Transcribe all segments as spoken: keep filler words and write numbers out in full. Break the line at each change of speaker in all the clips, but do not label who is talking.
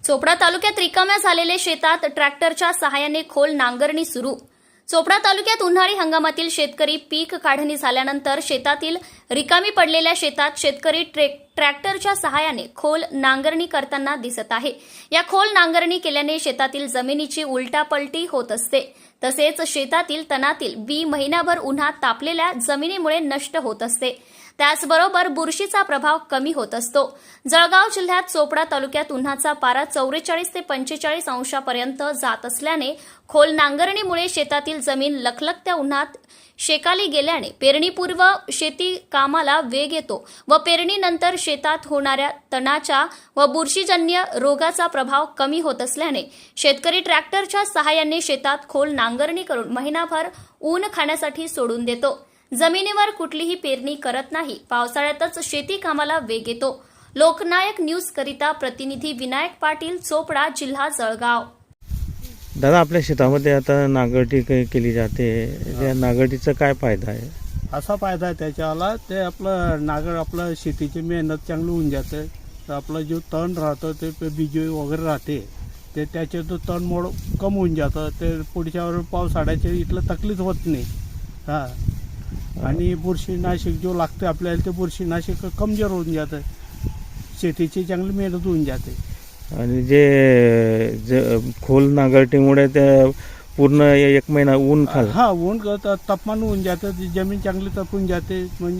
चोपडा तालुक्यात रिकाम्या झालेले शेतात ट्रॅक्टरच्या सहाय्याने खोल नांगरणी सुरू। चोपडा तालुक्यात उन्हाळी हंगामातील शेतकरी पीक काढणी झाल्यानंतर शेतातील रिकामी पडलेल्या शेतात शेतकरी ट्रॅक्टरच्या सहाय्याने खोल नांगरणी करताना दिसत आहे। या खोल नांगरणी केल्याने शेतातील जमिनीची उलटापलटी होत असते, तसेच शेतातील तणातील बी महिनाभर उन्हात तापलेल्या जमिनीमुळे नष्ट होत असते। त्याचबरोबर बुरशीचा प्रभाव कमी होत असतो। जळगाव जिल्ह्यात चोपडा तालुक्यात उन्हाचा पारा चौवेचाळीस ते पंचेचाळीस अंशापर्यंत जात असल्याने खोल नांगरणीमुळे शेतातील जमीन लखलखत्या उन्हात शेकाली गेल्याने पेरणीपूर्व शेती कामाला वेग येतो व पेरणीनंतर शेतात होणाऱ्या तणाच्या व बुरशीजन्य रोगाचा प्रभाव कमी होत असल्याने शेतकरी ट्रॅक्टरच्या सहाय्याने शेतात खोल नांगरणी करून महिनाभर ऊन खाण्यासाठी सोडून देतो। जमिनीवर कुठलीही पेरणी करत नाही। पावसाळ्यातच शेती कामाला वेग येतो। लोकनायक न्यूज करिता प्रतिनिधी विनायक पाटील, चोपडा, जिल्हा जळगाव।
दादा, आपल्या शेतामध्ये आता नांगरटी केली जाते, त्या नांगरटीचा काय फायदा आहे?
असा फायदा आहे त्याच्यावाला, ते आपलं नांगर आपलं शेतीची मेहनत चांगली होऊन जाते। तर आपलं जो तण राहतं ते बीज वगैरे राहते ते त्याचे तो तण मोड कम होऊन जातं। ते पुढच्यावर पावसाळ्याचे इथलं तकलीफ होत नाही। हां, आणि बुरशीनाशक जो लागतं आपल्याला ते बुरशीनाशक कमजोर होऊन जातं, शेतीची चांगली मेहनत होऊन जाते।
आणि जे, जे खोल नांगरटीमुळे त्या पूर्ण एक महिना ऊन खाल
हा ऊन तापमान होऊन जातं, जमीन चांगली तपून जाते। म्हणजे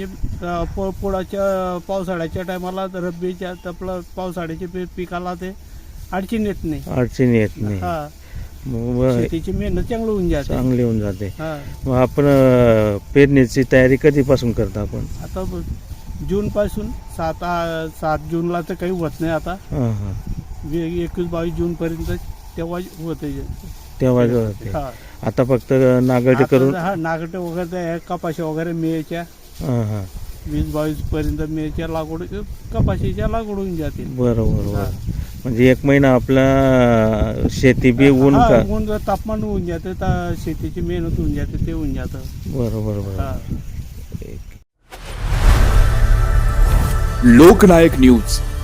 पुढच्या पावसाळ्याच्या टायमाला रब्बीच्या आपलं पावसाळ्याच्या पिकाला ते अडचण येत नाही
अडचण येत नाही
हा, शेतीची मेहनत चांगली होऊन जाते
चांगली होऊन जाते।
हा,
मग आपण पेरणीची तयारी कधीपासून करता आपण?
आता जून पासून सात सात जूनला तर काही होत नाही आता।
हां हां,
एकवीस बावीस जून पर्यंत तेव्हा होते
तेव्हा होते।
हा,
आता फक्त नांगरटी करून
हा नागटे वगैरे कपाशी वगैरे मेच्या
हां हां
वीस बावीस पर्यंत मेच्या लागवड कपाशीच्या लागवड होऊन जाते।
बरोबर बरोबर। म्हणजे एक महिना आपला शेती बी ऊन का
ऊन तापमान होऊन जाते, शेतीची मेहनत होऊन जाते, ते होऊन जातं।
बरोबर बरोबर।
लोकनायक न्यूज